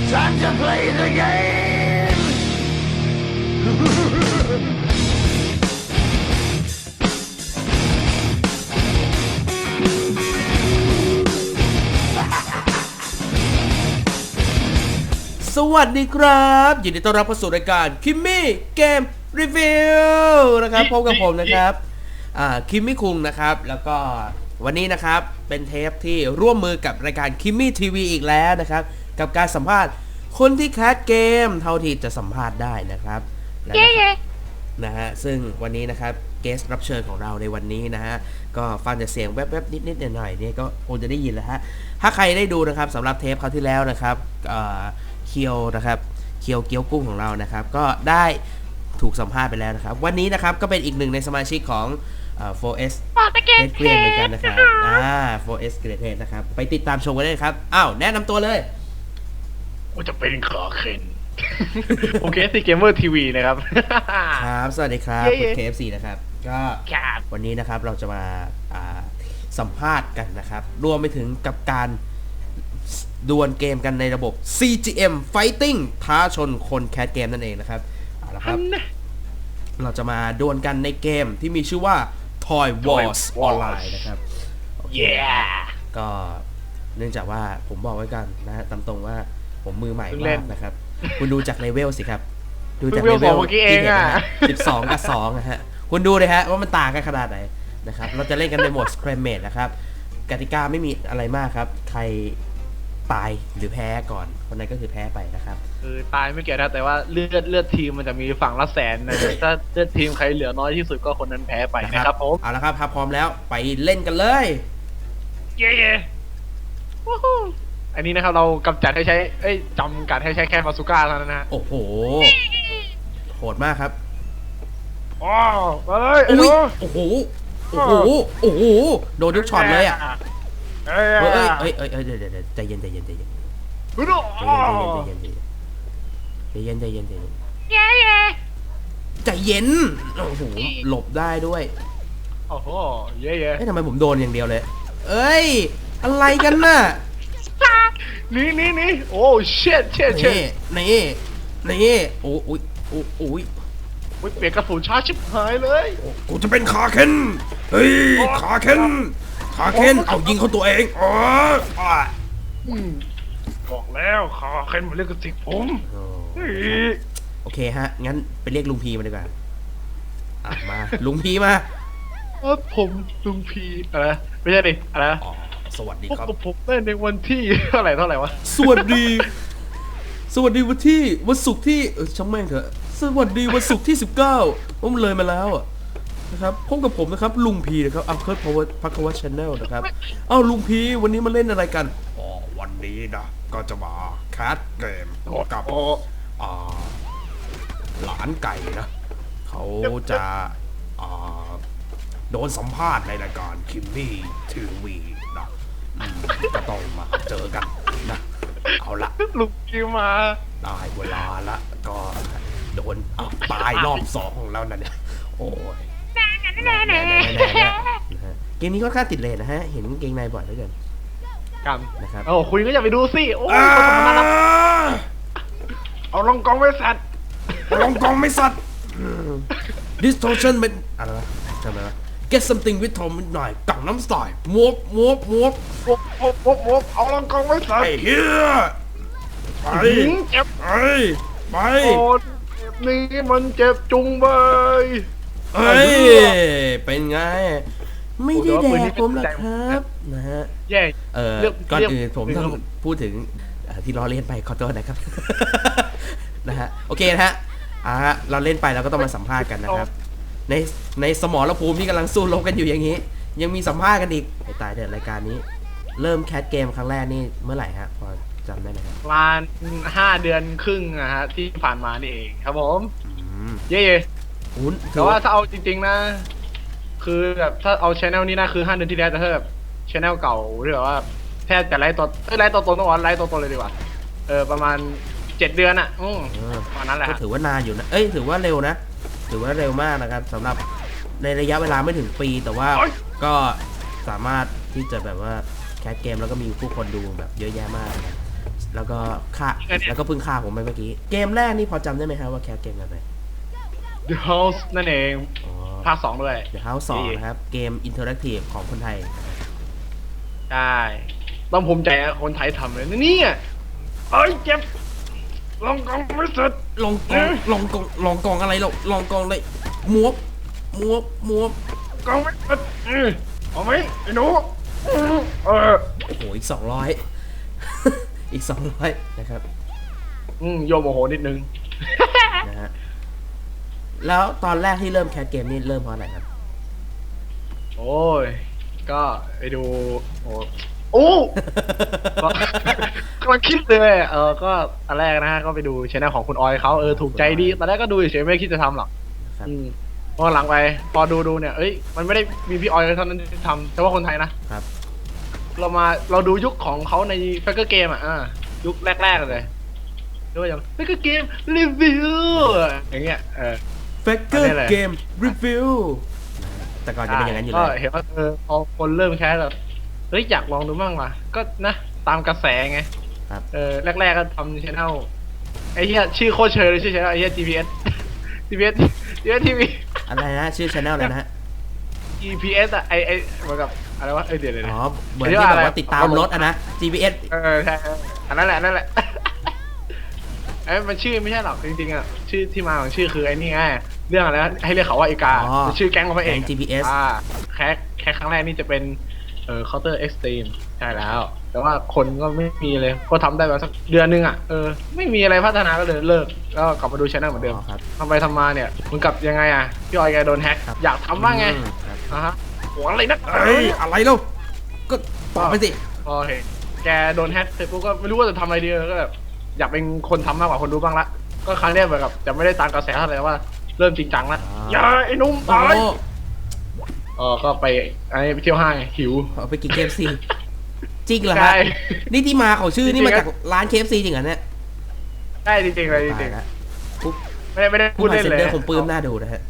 Time to play the game! สวัสดีครับยินดีต้อนรับเข้าสู่รายการคิมมี่เกมรีวิวนะครับพบกับผมนะครับคิมมี่คุงนะครับแล้วก็วันนี้นะครับเป็นเทปที่ร่วมมือกับรายการคิมมี่ทีวีอีกแล้วนะครับกับการสัมภาษณ์คนที่แคสเกมเท่าที่จะสัมภาษณ์ได้นะครับนะฮะซึ่งวันนี้นะครับเกสรับเชิญของเราในวันนี้นะฮะก็ฟังแต่เสียงแวบๆนิดๆหน่อยๆนี่ก็คงจะได้ยินแล้วฮะถ้าใครได้ดูนะครับสำหรับเทปคราวที่แล้วนะครับเคียวนะครับเคียวเกี๊ยวกุ้งของเรานะครับก็ได้ถูกสัมภาษณ์ไปแล้วนะครับวันนี้นะครับก็เป็นอีกหนึ่งในสมาชิกของ4S Great Head เหมือนกันนะครับ4S Great Head นะครับไปติดตามชมกันได้ครับอ้าวแนะนำตัวเลยว่าจะเป็นขาเคนโอเคซีเกมเมอร์ทีวีนะครับครับสวัสดีครับคุณ KFC นะครับก็วันนี้นะครับเราจะมาสัมภาษณ์กันนะครับรวมไปถึงกับการดวลเกมกันในระบบ CGM Fighting ท้าชนคนแคสเกมนั่นเองนะครับเอาละครับเราจะมาดวลกันในเกมที่มีชื่อว่า Toy Wars Online นะครับก็เนื่องจากว่าผมบอกไว้กันนะตามตรงว่าผมมือใหม่มากนะครับคุณดูจากเลเวลสิครับดูจากเลเวลที่เห็นนะฮะ12 กับ 2นะฮะคุณดูเลยฮะว่ามันต่างกันขนาดไหนนะครับเราจะเล่นกันในโหมด Scrimmage นะครับกติกาไม่มีอะไรมากครับใครตายหรือแพ้ก่อนคนนั้นก็คือแพ้ไปนะครับคือตายไม่เกี่ยวนะแต่ว่าเลือดทีมมันจะมีฝั่งละแสนนะถ้าเลือดทีมใครเหลือน้อยที่สุดก็คนนั้นแพ้ไปนะครับผมเอาละครับถ้าพร้อมแล้วไปเล่นกันเลยอันนี้นะครับเรากำจัดให้ใช้จำกัดให้ใช้แค่บาซูก้าเท่านั้นนะโอ้โหโหดมากครับอ๋อมาเลยโอ้โหโอ้โหโอ้โหโดนทุกช็อตเลยอ่ะเดี๋ยวใจเย็นใจเย็นใจเย็นใจเย็นโอ้โหหลบได้ด้วยโอ้โหเย้ทำไมผมโดนอย่างเดียวเลยเอ้ยอะไรกันน่ะนี่โอ้เช็ดนี่โอ้ยเปลี่ยนกระสุนชาชิบหายเลยกูจะเป็นขาเคนเฮ้ยขาเคนเอายิงเขาตัวเองบอกแล้วขาเคนมันเรียกกระสิกผมโอเคฮะงั้นไปเรียกลุงพีมาดีกว่ามาลุงพีมาผมลุงพีอะไรไม่ใช่ดิอะไรสวัสดีครับผมเล่นในวันที่เท่าไหร่วะสวัสดีวันศุกร์ที่ช่างแม่งเถอะสวัสดีวันศุกร์ที่19ผมเลยมาแล้วนะครับพบกับผมนะครับลุงพีนะครับเคิร์ดพักวัชชาแนลนะครับลุงพีวันนี้มาเล่นอะไรกันวันนี้นะก็จะมาแคสเกมกับหลานไก่นะเขาจะโดนสัมภาษณ์ในรายการคิมมี่ทีวีนะก็ต้องมาเจอกันนะเอาละลุงพีมาได้เวลาละก็โดนตายรอบ2ของเรานั่นเนี่ยโอ้ยเกมนี้ก็ค่าติดเลนนะฮะเห็นเกงในบ่อยเหลือเกินนะครับคุณก็อย่าไปดูสิโอ้ยเอาลองกองไม่สัตว์ distortion เป็นอะไรวะจำได้ไหม get something with Tom หน่อยกังน้ำสไตล์มวบเอาลองกองไม่สัตว์ไอ้เหี้ยไปนี่มันเจ็บจุงเบยเป็นไงไม่ได้แดกผมหรอกครับนะฮะก่อนอื่นผมต้องพูดถึงที่ล้อเล่นไปขอโทษนะครับนะฮะโอเคนะฮะเราเล่นไปเราก็ต้องมาสัมภาษณ์กันนะครับในสมรภูมิที่กำลังสู้รบกันอยู่อย่างนี้ยังมีสัมภาษณ์กันอีกไอ้ตายเถิดรายการนี้เริ่มแคสเกมครั้งแรกนี่เมื่อไหร่ฮะพอจำได้ไหมครับประมาณ5 เดือนครึ่งนะฮะที่ผ่านมานี่เองครับผมแต่ว่าถ้าเอาจริงๆนะคือแบบถ้าเอาช anel นี้นะคือ5 เดือนที่แล้วแต่ถ้าแบบช anel เก่าหรือว่าแทบจะไลฟ์ตัวตนต้องไลฟ์ตัวตนเลยดีกว่าประมาณ7 เดือนอะประมาณนั้นแหละก็ถือว่านานอยู่นะถือว่าเร็วนะถือว่าเร็วมากนะครับสำหรับในระยะเวลาไม่ถึงปีแต่ว่าก็สามารถที่จะแบบว่าแคสเกมแล้วก็มีผู้คนดูแบบเยอะแยะมากนะครับแล้วก็ฆ่าแล้วก็เพิ่งฆ่าผมไปเมื่อกี้เกมแรกนี่พอจำได้ไหมครับว่าแคสเกมอะไร The House นั่นเองอ๋อภาค 2 ด้วย The House 2นะครับเกมอินเทอร์แอคทีฟของคนไทยใช่ต้องภูมิใจนะคนไทยทำเลยนี่เอ้ยเจ็บลองกองไม่เสร็จลองกองลองกองอะไรเราลองกองเลยมวบกองไม่เสร็จเอาไหมไอ้หนูเออโอ้โหอีก200 อีก200นะครับโยมโมโหนิดนึงนะฮะแล้วตอนแรกที่เริ่มแคสเกมนี่เริ่มเพราะอะไรครับโอ้ยก็ไปดูโอ้ก็กำลังคิดเลยก็อันแรกนะฮะก็ไปดูช่องของคุณออยเขาถูกใจดีตอนแรกก็ดูเฉยๆไม่คิดจะทำหรอกครับพอหลังไปพอดูเนี่ยเอ้ยมันไม่ได้มีพี่ออยเท่านั้นที่ทำแต่ว่าคนไทยนะครับ เราดูยุคของเขาในแฟกเกอร์เกมยุคแรกๆเลยด้วยอย่างแฟกเกอร์เกมรีวิวอย่างเงี้ย Faker อันนี้แหละ Game Review แต่ก่อนจะเป็นอย่างนั้นอยู่ก็เลยเห็นว่าพอคนเริ่มแคสแบบเฮ้ยอยากลองดูบ้างว่ะก็นะตามกระแสไงครับแรกๆก็ทำช่องไอ้เหี้ยชื่อโคตรเชยเลยชื่อช่องไอ้เหี้ย GPS GPS TV อะไรนะชื่อ channel อะไรนะฮะ GPS ไอเหมือนกับอะไรวะเดี๋ยวอ๋อเหมือนที่แบบว่าติดตามรถนะ GPS ใช่อันนั้นแหละมันชื่อไม่ใช่หรอกจริงๆชื่อที่มาของชื่อคือไอ้นี่ไงเรื่องอะไรนะให้เรียกเขาว่าอีกาชื่อแก๊งของพระเอก GPS แค่ครั้งแรกนี่จะเป็นCounter Extreme ใช่แล้ว แต่ว่าคนก็ไม่มีเลยก็ทำได้แบบสักเดือนนึงไม่มีอะไรพัฒนาก็เลยเลิกแล้วกลับมาดูช่องเหมือนเดิมทำไปทำมาเนี่ยมันกลับยังไงพี่ออยแกโดนแฮ็กอยากทำบ้างไงหัวอะไรนักอะไรลูกก็ตอบไปสิโอเคแกโดนแฮ็กเสร็จปุ๊บก็ไม่รู้ว่าจะทำอะไรดีก็แบบอยากเป็นคนทำมากกว่าคนดูบ้างละก็ครั้งนี้เหมือนกับจะไม่ได้ตามกระแสเท่าไหร่ว่าเริ่มจริงจังละอย่าไอ้นุ่มตายก็ไปไปเที่ยวห้างหิวไปกิน KFC จริงเหรอฮะนี่ที่มาของชื่อนี่มาจากร้าน KFC จริงเหรอเนี่ยใช่จริงๆเลยจริงๆไม่ได้พูดเล่นเลยผมปลื้มหน้าดูนะฮะ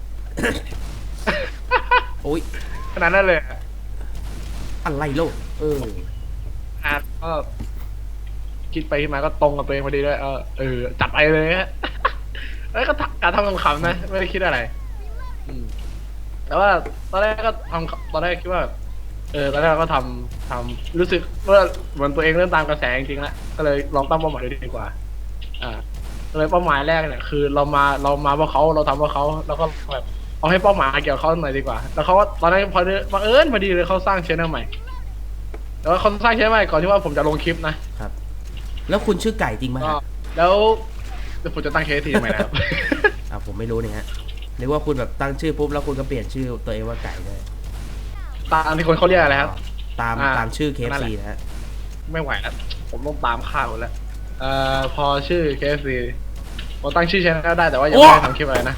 โอ้ยขนาดนั้นเลยอะไรโลกก็คิดไปคิดมาก็ตรงกับตัวเองพอดีด้วยจัดไปเลยฮะแล้วก็การทำขำๆนะไม่ได้คิดอะไรแต่ว่าตอนแรกก็ตอนแรกคิดว่าตอนแรกก็ทำรู้สึกว่าเหมือนตัวเองเริ่มตามกระแสจริงๆแล้วก็เลยลองตั้งเป้าหมายดูดีกว่าเลยเป้าหมายแรกเนี่ยคือเรามาเพราะเขาเราทำเพราะเขาแล้วก็แบบเอาให้เป้าหมายเกี่ยวกับเขาหน่อยดีกว่าแล้วเขาว่าตอนนั้นบังเอิญพอดีเลยเขาสร้างช่องใหม่แต่ว่าเขาสร้างช่องใหม่ก่อนที่ว่าผมจะลงคลิปนะครับแล้วคุณชื่อไก่จริงไหมครับแล้วผมจะตั้งเคสทีทำไมนะครับผมไม่รู้เนี่ยฮะนึกว่าคุณแบบตั้งชื่อปุ๊บแล้วคุณก็เปลี่ยนชื่อตัวเองว่าไก่เลยตามที่คนเขาเรียกอะไรครับตามชื่อ KFC นะฮะไม่ไหวแล้วผมต้องตามข้าวแล้วพอชื่อ KFC ผมตั้งชื่อช่องได้แต่ว่ายังไม่ได้ทำคลิปอะไรนะ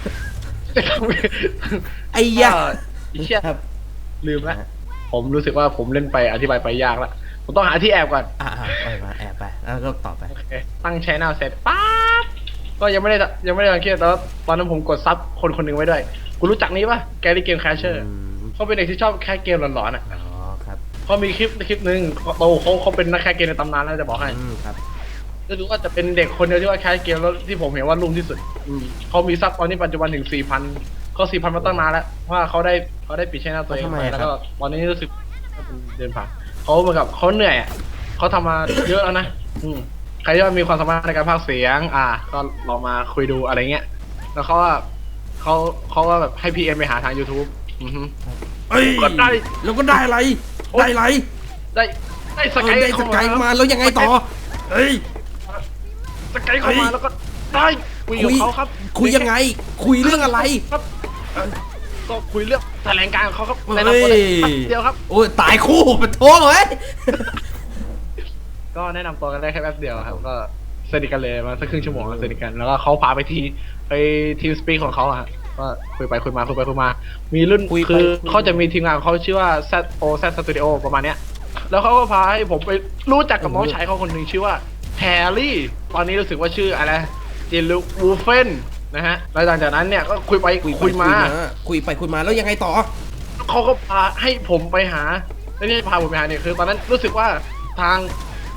ไอ้ยาเชี่ยลืมแล้วผมรู้สึกว่าผมเล่นไปอธิบายไปยากแล้วผมต้องหาที่แอบก่อนมาแอบไปแล้วก็ต่อไปตั้งช่องเสร็จปั๊บก็ยังไม่ได้ทำคลิปแต่ตอนนั้นผมกดซับคนหนึ่งไว้ด้วยคุณรู้จักนี้ป่ะแกรี่เกมแคชเชอร์เขาเป็นเด็กที่ชอบแคสเกมหลอนๆครับเขามีคลิปหนึ่งเขาเป็นนักแคสเกมในตำนานแล้วจะบอกให้ครับก็รู้ว่าจะเป็นเด็กคนเดียวที่ว่าแคสเกมแล้วที่ผมเห็นว่ารุ่งที่สุดเขามีซับตอนนี้ปัจจุบันถึง 4,000 ก็ 4,000 มาตั้งนานแล้วว่าเขาได้ปิดช่องตัวเองไปแล้วก็ตอนนี้รู้สึกเดินผ่านเขาเหมือนกับเขาเหนื่อยเขาทำมาเยอะแล้วนะใครที่มีความสามารถในการพากย์เสียงก็ลองมาคุยดูอะไรเงี้ยแล้วเขาว่าแบบให้พีเอ็มไปหาทาง YouTube ก็ได้แล้วก็ได้อะไรได้สกายมาแล้วยังไงต่อสกายเข้ามาแล้วก็ได้คุยกับเขาครับคุยยังไงคุยเรื่องอะไรครับก็คุยเรื่องแถลงการของเขาครับแนะนำตัวเดียวครับโอ้ยตายคู่เป็นโถ่เว้ยก็แนะนำตัวกันได้แค่แป๊บเดียวครับก็สนิทกันเลยมาสักครึ่งชั่วโมงสนิทกันแล้วก็เขาพาไปทีมสปีกของเขาก็คุยไปคุยมามีรุ่นคือเขาจะมีทีมงานเขาชื่อว่า Z Studio ประมาณเนี้ยแล้วเขาก็พาให้ผมไปรู้จักกับน้องชายเขาคนหนึ่งชื่อว่าแฮร์รี่ตอนนี้รู้สึกว่าชื่ออะไรจินลูวูเฟนนะฮะแล้วหลังจากนั้นเนี่ยก็คุยไปคุยมาแล้วยังไงต่อเขาก็พาให้ผมไปหาไม่ใช่พาผมไปหาเนี่ยคือตอนนั้นรู้สึกว่าทาง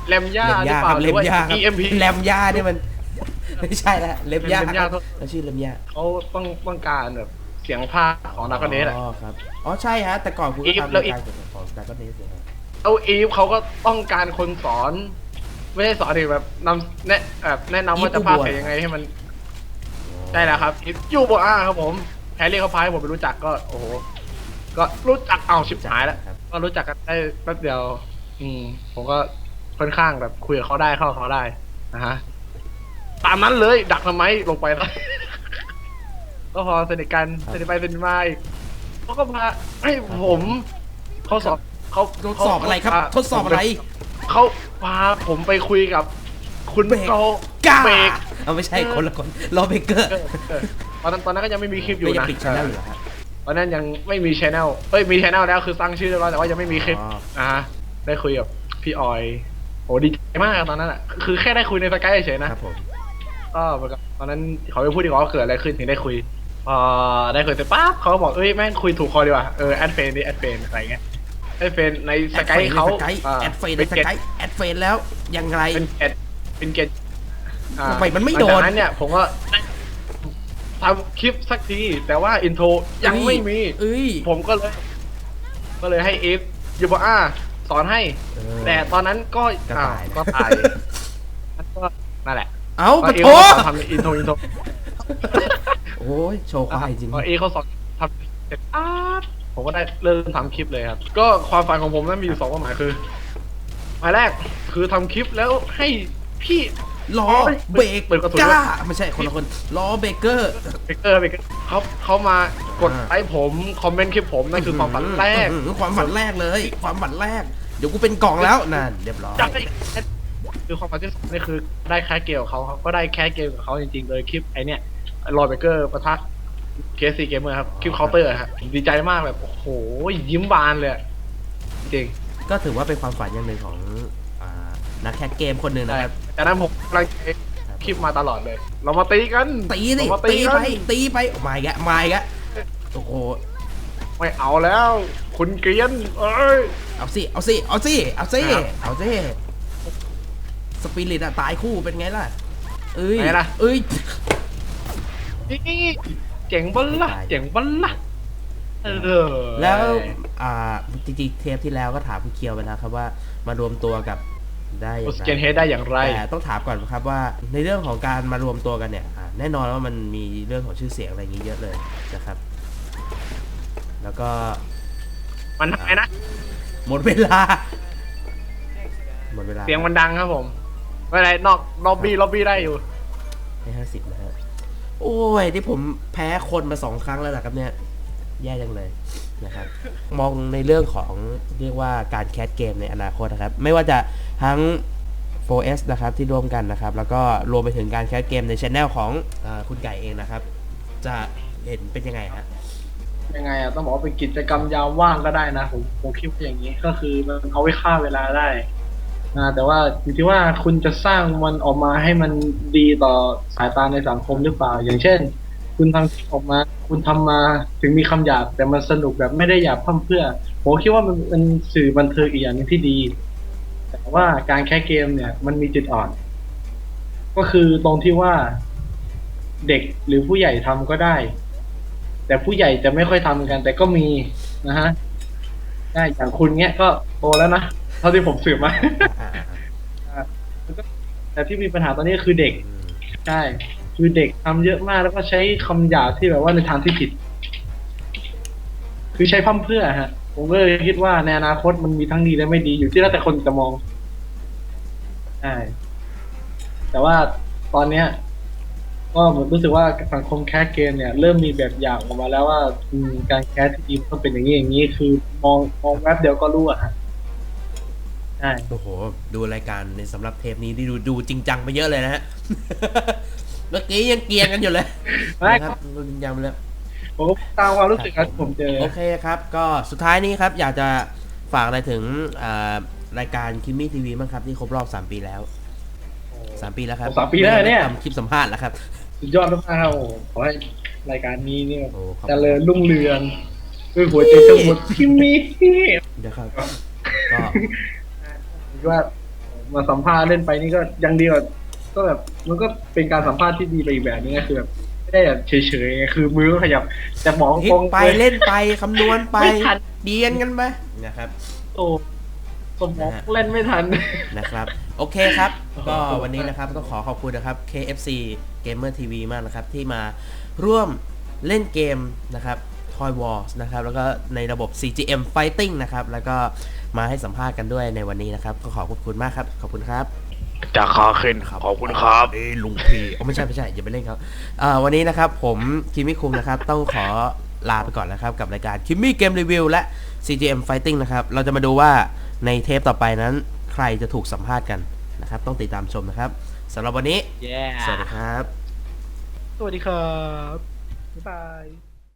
แรมย่าเล็มหรืย่าอเปคล่ารับหเล็รือมว่าย่าครับ EMP แรมย่าเนี่ยมันไม่ใช่ละเล็มย่าเล็มย่าเขาชื่อเล็มย่าเขาต้องการแบบเสียงภาคของดาร์กเนสอะอ๋อครับอ๋อใช่ฮะแต่ก่อนคุณก็ทำแล้ราวย อีกการเกี่ยวกับของดาร์กเนสเลยครับเอาอีฟเขาก็ต้องการคนสอน ไม่ใช่สอนดิแบบแนะนำว่าจะพากย์เสียงยังไงให้มันได้แล้วครับอีฟยูโบอาครับผมแฮร์รี่เขาพายผมไปรู้จักก็โอ้โหก็รู้จักเอาชิบหายแล้วครับก็รู้จักกันได้แป๊บเดียว ผมก็ค่อนข้างแบบคุยกับเขาได้เข้ากับเขาได้นะฮะตามนั้นเลยดักทำไมลงไปแล้ว ก็พอสนิทกันสนิทไปสนิทมาอีกเขาก็พาให้ผมเขาสอบเขาทดสอบอะไรครับทดสอบอะไรเขาพาผมไปคุยกับ คุณเบรกโกก้าเบรกเอาไม่ใช่คนละคนรอเบเกอร์ตอนนั้นก็ยังไม่มีคลิปอยู่ไม่ยังนะปิดช่องอยู่เหรอฮะตอนนั้นยังไม่มีชแนลมีชแนลแล้วคือตั้งชื่อเรียบร้อยแต่ว่ายังไม่มีคลิปอ๋อได้คุยกับพี่ออยโอ้ดีใจมากตอนนั้นอ่ะคือแค่ได้คุยในสกายเฉยๆนะครับผมก็เหมือนกับตอนนั้นเขาไปพูดดีกว่าว่าเกิดอะไรขึ้นถึงได้คุยพอได้คุยเสร็จปั๊บเขาก็บอกแม่งคุยถูกคอดีว่ะแอดเฟนดิแอดเฟนอะไรเงี้ยแอดเฟนในสกายเขาแอดเฟนในสกายแอดเฟนแล้วยังไงเป็นเกตทำไมมันไม่โดนหลังจากนั้นเนี่ยผมก็ทำคลิปสักที แต่ว่าอินโทรยังไม่มีเอ้ยผมก็เลยให้เอฟยูบอาสอนให้เออแต่ตอนนั้นก็ก็ตายก็ตายก็นั่นแหละเอาปะเอโถทำอินโทรโอ้ยโชว์ควายจริงพอเอเขาสอนทำเสร็จผมก็ได้เริ่มทำคลิปเลยครับ ก็ความฝันของผมนั้นมีอยู่2 เป้าหมายคือหมายแรกคือทำคลิปแล้วให้พี่ล้อเบรกเปิดกระสุนก้าไม่ใช่คนละคนล้อเบเกอร์เบเกอร์เขามากดไลค์ผมคอมเมนต์คลิปผมนั่นคือความฝันแรกความฝันแรกเลย ความฝันแรก เดี๋ยวกูเป็นกล่องแล้วนั่นเรียบร้อยจังคือความฝันที่2นี่คือได้แค่เกมกับเขาครับก็ได้แค่เกมกับเขาจริงๆเลยคลิปไอเนี้ยรอยเบเกอร์ปะทะเคสซีเกมเมอร์ครับคลิปเคาน์เตอร์ครับดีใจมากแบบโอ้โหยิ้มบานเลยจริงก็ถือว่าเป็นความฝันอย่างหนึ่งของนักแคสเกมคนหนึ่งนะครับจากนั้นผมกำลังคลิปมาตลอดเลย เรามาตีกันตีสิเรามาตีกัไปนตีไปมาอีกแล้วมาอีกแล้วโอ้โหไม่เอาแล้ว คุณเกรียนเอ้ยเอาสิเอาสิเอาสิเอาสิครับเอาสิสปิริตอะตายคู่เป็นไงล่ะเอ้ยไงล่ะเอ้ยนี่เจ๋งบัลละเจ๋งบัลละแล้วจริงๆเทปที่แล้วก็ถามคุณเคียวไปแล้วครับว่ามารวมตัวกับได้โอยังสไงเกนเฮดได้อย่างไรแต่ต้องถามก่อนครับว่าในเรื่องของการมารวมตัวกันเนี่ยแน่นอนว่ามันมีเรื่องของชื่อเสียงอะไรอย่างนี้เยอะเลยนะครับ แล้วก็มันทำไงนะหมดเวลาหมดเวลาเสียงมันดังครับผมไม่เป็นไรนอกล็อบบี้ได้อยู่ให้50นะฮะโอ้ยที่ผมแพ้คนมา2 ครั้งแล้วนะครับเนี่ยแย่จังเลยนะครับมองในเรื่องของเรียกว่าการแคสเกมในอนาคตนะครับไม่ว่าจะทั้ง 4S นะครับที่ร่วมกันนะครับแล้วก็รวมไปถึงการแคสเกมในช anel ของคุณไก่เองนะครับจะเห็นเป็นยังไงฮะยังไงอะต้องบอกว่าเป็นกิจกรรมยามว่างก็ได้นะผมคิดว่าอย่างนี้ก็คือมันเอาไว้ฆ่าเวลาได้แต่ว่าอยู่ที่ว่าคุณจะสร้างมันออกมาให้มันดีต่อสายตาในสังคมหรือเปล่า อย่างเช่น คุณทำคลิปออกมาคุณทำมาถึงมีคำหยาบแต่มันสนุกแบบไม่ได้หยาบพร่ำเพรื่อผมคิดว่ามันเป็นสื่อบันเทิงอีกอย่างหนึงที่ดี แต่ว่าการแค่เกมเนี่ยมันมีจุดอ่อน ก็คือตรงที่ว่าเด็กหรือผู้ใหญ่ทำก็ได้ แต่ผู้ใหญ่จะไม่ค่อยทำกัน แต่ก็มีนะฮะได้อย่างคุณเนี้ยก็โตแล้วนะเท่าที่ผมสืบมา แต่ที่มีปัญหาตอนนี้คือเด็กใช่คือเด็กทำเยอะมากแล้วก็ใช้คำหยาบที่แบบว่าในทางที่ผิด คือใช้พร่ำเพรื่อฮะ ผมก็เลยคิดว่าในอนาคตมันมีทั้งดีและไม่ดีอยู่ที่แล้วแต่คนจะมองใช่แต่ว่าตอนเนี้ย ก็ผมรู้สึกว่าสังคมแคสเกมเนี่ยเริ่มมีแบบอย่างออกมาแล้วว่าการแคสทีมต้องเป็นอย่างนี้อย่างนี้คือมองแวบเดียวก็รู้อะฮะใช่โอ้โหดูรายการในสำหรับเทปนี้ที่ดูจริงจังไปเยอะเลยนะฮะ เมื่อกี้ยังเกรียงกันอยู่เลยนะครับดูจริงจังไปแล้วผมก็ตามความรู้สึกครับผมเจอโอเคครับก็สุดท้ายนี้ครับอยากจะฝากอะไรถึงรายการคิมมี่ทีวีบ้างครับที่ครบรอบ3 ปีแล้ว3 ปีแล้วครับ 3 ปีแล้วเนี่ยทำคลิปสัมภาษณ์แล้วครับสุดยอดมากครับโอ้ขอให้รายการนี้เนี่ยโอ้ขอบคุณเจริญรุ่งเรืองด้วยหัวใจทั้งหมดที่มีเดี๋ยวครับก็ผมคิดว่ามาสัมภาษณ์เล่นไปนี่ก็ยังดีกว่าก็แบบมันก็เป็นการสัมภาษณ์ที่ดีไปอีกแบบนึงก็คือแบบไม่ได้แบบเฉยๆไงคือมือก็ขยับแต่หมองคิตดรงไปเล่นไปคำนวณไปไม่ทันเดียนกันไปนะครับโอ้สมองเล่นไม่ทันนะครับโอเคครับ ก็วันนี้นะครับต้องขอบคุณนะครับ KFC Gamer TV มากนะครับที่มาร่วมเล่นเกมนะครับ Toy Wars นะครับแล้วก็ในระบบ CGM Fighting นะครับแล้วก็มาให้สัมภาษณ์กันด้วยในวันนี้นะครับก็ขอบคุณมากครับขอบคุณครับจะคอขึ้นขอบคุณครับลุงพีไม่ใช่อย่าไปเล่นครับวันนี้นะครับผมคิมมี่คุงนะครับต้องขอลาไปก่อนนะครับกับรายการคิมมี่เกมรีวิวและ CGM Fighting นะครับเราจะมาดูว่าในเทปต่อไปนั้นใครจะถูกสัมภาษณ์กันนะครับต้องติดตามชมนะครับสำหรับวันนี้ Yeah สวัสดีครับสวัสดีครับบ๊ายบาย